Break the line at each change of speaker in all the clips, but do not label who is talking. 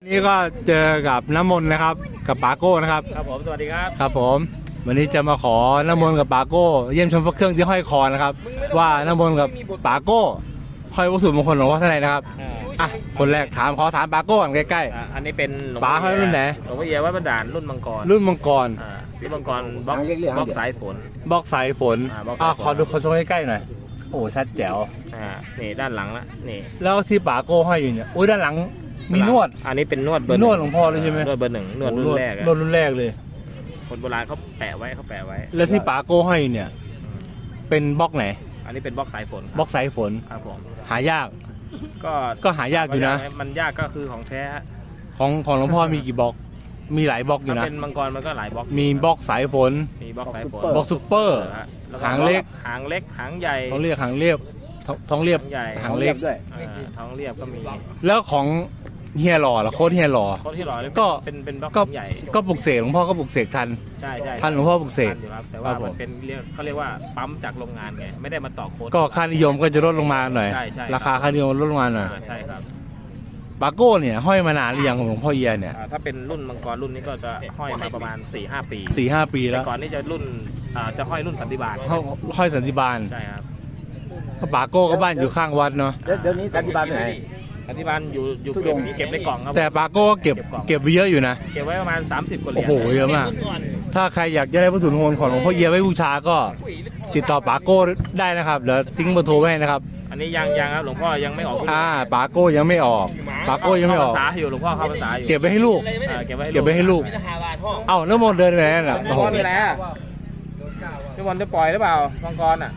นี่ก็เจอกับน้ำมนต์นะครับกับปาโก้นะครับ
ครับผมสวัสดีครับ
ครับผมวันนี้จะมาขอน้ำมนต์กับปาโก้เยี่ยมชมพระเครื่องที่ห้อยคอนะครับว่าน้ำมนต์กับปาโก้ห้อยวัตถุมงคลหลวงพ่อท่านไหนนะครับคนแรกขอถามปาโก้กันใกล้
ๆอันนี้เป็น
ปาห้อยรุ่นไหน
หลวงพ่อเอียวัดบันดาลรุ่นมังกร
รุ่นมังกร
บล็อกสายฝน
บล็อกสายฝนขอดูคนชมใกล้ๆหน่อยโอ้ชัดแจ๋ว
นี่ด้านหลังละนี่
แล้วที่ปาโก้ห้อยอยู่เนี่ยโอ้ยด้านหลังมีนวด
อันนี้เป็นนวด
นวดหลวงพ่อเลยใช่ไหม
นวดเบอร์หนึ่งนวดรุ่นแรก
นวดรุ่นแรกเลย
คนโบราณเขาแปะไว้
แล้วที่ปาโก้ห้อยเนี่ยเป็นบล็อกไหน
อันนี้เป็นบล็อกสายฝน
บล็อกสายฝน
ครับผม
หายากก็หายากอยู่นะ
มันยากก็คือของแท้
ของหลวงพ่อมีกี่บล็อกมีหลายบล็อกอยู่นะ
เป็นมังกรมันก็หลายบล็อก
มีบล็อกสายฝน
มีบล็อกสายฝน
บล็อกซุปเปอร์หางเล็ก
หางใหญ่
ท้องเรียบท้องเรียบหางเล็ก
ด้วยท้องเรียบก็มี
แล้วของเฮียหล่อโค้ดเฮียหล่อ
ก็เป็นบล็อกใหญ่
ก็ปลุกเสกหลวงพ่อก็ปลุกเสกทัน
ใช่
ทันหลวงพ่อปลุกเสก
แต่ว่ามันเป็นเขาเรียกว่าปั๊มจากโรงงานไงไม่ได้มาต่อโค้ด
ก็ค่านิยมก็จะลดลงมาหน่อยราคาค่านิยมลดลงมาหน่อย
ใช่ครับ
ปาโก้เนี่ยห้อยมานานหรือยังของหลวงพ่อเอียเนี่ย
ถ้าเป็นรุ่นมังกรรุ่นนี้ก็จะห้อยมาประมาณ 4-5 ปี
ปีแล้ว
ก่อนนี้จะรุ่นจะห้อยรุ่นสันติบาล
ห้อยสันติบาล
ใช่ครับ
ปาโก้ก็บ้านอยู่ข้างวัดเนาะ
เดี๋ยวนี้สันติบาลไหน
สันติบาลอยู่เก็บในกล่องครับ
แต่ปาโก้เก็บไว้เยอะอยู่นะ
เก็บไว้ประมาณ30 กว่าเหรียญ
โอ้โหเยอะมากถ้าใครอยากจะได้วัตถุมงคลของหลวงพ่อเอียไว้บูชาก็ติดต่อปาโก้ได้นะครับเดี๋ยวทิ้งเบอร์โทรไว้ให้นะครับ
อันนี้ยังครับหลวงพ่อยังไม่ออก
ปาโก้ยังไม่ออกปาโก้ยังไม่ออก
ภาษาอยู่หลวงพ่อเข้าภาษาอยู่
เก็บไว้ให้ลูกเก็บไว้ให้ลูกเอ้าแล้วมนเดินไปไหนน่ะ
โอ้โหมีอะไรอ่ะพี่บอลจะปล่อยหรือเปล่ามังกรอ่ะ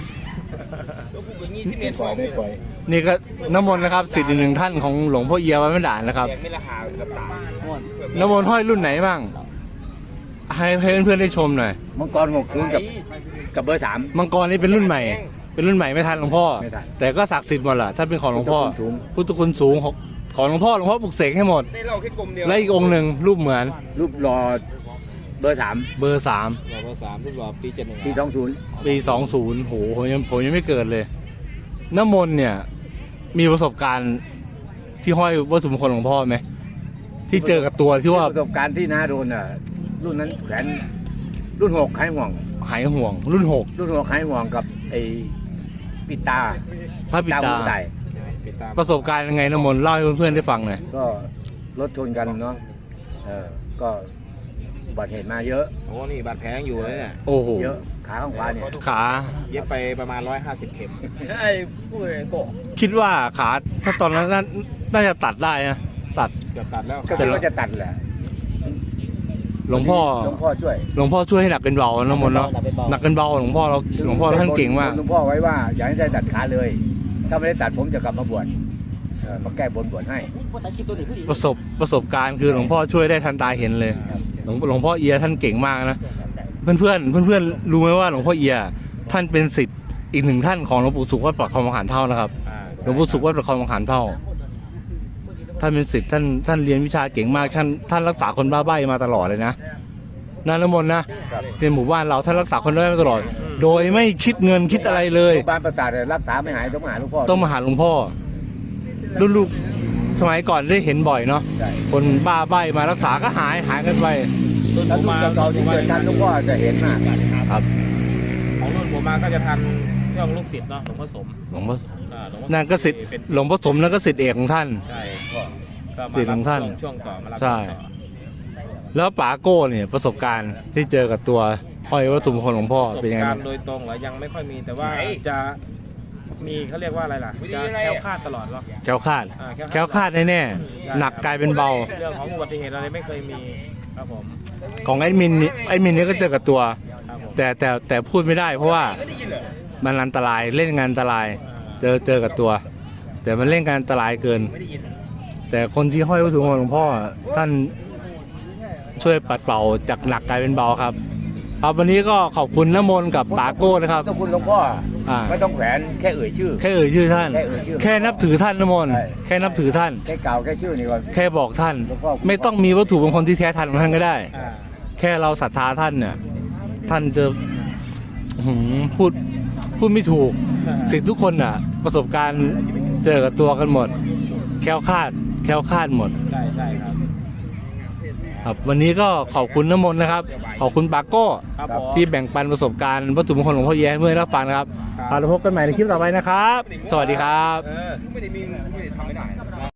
นี่ก็น้ำมนต์นะครับศิษย์อีกหนึ่งท่านของหลวงพ่อเอียวัดบันดาลนะครับน้ำมนต์ห้อยรุ่นไหนบ้างให้เพื่อนๆได้ชมหน่อย
มังกร60กับเบอร์3
มังกรนี่เป็นรุ่นใหม่ไม่ทันหลวงพ่อแต่ก็ศักดิ์สิทธิ์หมดแหละถ้าเป็นของหลวงพ่อพุทธคุณสูงของหลวงพ่อปลุกเสกให้หมดและอีกองค์หนึ่งรูปเหมือน
รูปรอเบอร์3
รูป
รอปี71
ปี
20โหผมยังไม่เกิดเลยน้ำมนต์เนี่ยมีประสบการณ์ที่ห้อยวัตถุมงคลหลวงพ่อไหมที่เจอกับตัวที่ว่า
ประสบการณ์ที่น้าโดนรุ่นนั้นแขวนรุ่น6หายห่วง
รุ่น
6หายห่วงกับไอ้ปิตา
พระปิตาประสบการณ์ยังไงน้ำมนต์เล่าให้เพื่อนๆได้ฟังหน่อย
ก็รถชนกันเนาะก็บาดเหตุมาเยอะ
โอ้นี่บาดแผลอยู่เลยเนี่ย
โอ้โห
เยอะขาข้างขวาเนี่ย
ขา
เย็บไปประมาณ150 เข็ม
ใช่ผู้ใหญ่โก
คิดว่าขาถ้าตอนนั้นน่าจะตัดได้นะ
ตัดแล้ว
ก็คิดว่าจะตัดแหละ
หลวงพ่อช่วยให้หนักเป็นเบาน้ำมนต์เนาะหนักเป็นเบาหลวงพ่อท่านเก่งมาก
หลวงพ่อไว้ว่าอย่าให้ได้ตัดขาเลยถ้าไม่ได้ตัดผมจะกลับมาบวชมาแก้บนให้
ประสบการณ์คือหลวงพ่อช่วยได้ทันตาเห็นเลยหลวงพ่อเอียท่านเก่งมากนะเพื่อนรู้ไหมว่าหลวงพ่อเอียท่านเป็นศิษย์อีกหนึ่งท่านของหลวงปู่สุขวัดประคองมหาเท่านะครับหลวงปู่สุขวัดประคองมหาเท่าท่านเป็นศิษย์ท่านเรียนวิชาเก่งมากท่านรักษาคนบ้าใบ้มาตลอดเลยนะน้ำมนต์นะในหมู่บ้านเราท่านรักษาคนบ้าใบ้มาตลอดโดยไม่คิดเงินคิดอะไรเลย
บ้านประสาทรักษาไม่หายต้องมาหาหลวงพ่อ
รุ่นลูกสมัยก่อนได้เห็นบ่อยเนาะคนบ้าใบ้มารักษาก็หายกันไป
รุ่นผมมาเราที่เกิดทันหลวงพ่อจะเห็นมาก
ครับ
ของรุ่นผมมาก็จะทันช่วงลูกศิษย์เนาะหลวงพ่อสม
นั่นก็ศิษย์หลวงพ่อสมนั่นก็ศิษย์เอกของท่าน
ใช่
ศิษย์ของท่าน
ช่วงต่อมา
ใช่แล้วป๋าโก้เนี่ยประสบการณ์ที่เจอกับตัวห้อยวัตถุมงคลหลวงพ่อเป็นยังไง
โดยตรงหรือยังไม่ค่อยมีแต่ว่าจะมีเขาเรียกว่าอะไรล่ะจะแคล้วคลาดตลอดหรอ
แคล้วคลาดแน่ๆหนักกลายเป็นเบา
เรื่องของอุบัติเหตุอะไรไม่เคยมีครับผม
ของไอ้มินนี่ก็เจอกับตัวแต่พูดไม่ได้เพราะว่ามันอันตรายเล่นงานอันตรายเจอกับตัวแต่มันเล่นงานอันตรายเกินแต่คนที่ห้อยวัตถุมงคลหลวงพ่อท่านช่วยปัดเป่าจากหนักกลายเป็นเบาครับวันนี้ก็ขอบคุณน้ำมนต์กับปาโก้นะครับ
ขอบคุณหลวงพ่อไม่ต้องแขวนแค่เอ่ยชื่อ
ท่านแค่นับถือท่านน้ำมนต์แค่นับถือท่าน
แค่กล่าวแค่ชื่อนี่ก่อน
แค่บอกท่านไม่ต้องมีวัตถุมงคลที่แท้ทันของท่านก็ได้แค่เราศรัทธาท่านเนี่ยท่านจะพูดไม่ถูกศิษย์ทุกคนน่ะประสบการณ์เจอกับตัวกันหมดแคล้วคลาดแคล้วคลาดหมด
ใช่ใช่ครับ
ครับวันนี้ก็ขอบคุณน้ำมนต์นะครับขอบคุณปาโก้
ครับผม
ที่แบ่งปันประสบการณ์วัตถุมงคลหลวงพ่อเอียให้เพื่อนรับฟังนะครับ
ครับ
เราพบกันใหม่ในคลิปต่อไปนะครับ สวัสดีครับ
ไม่ได้มีไม่ได้ทำไม่ได้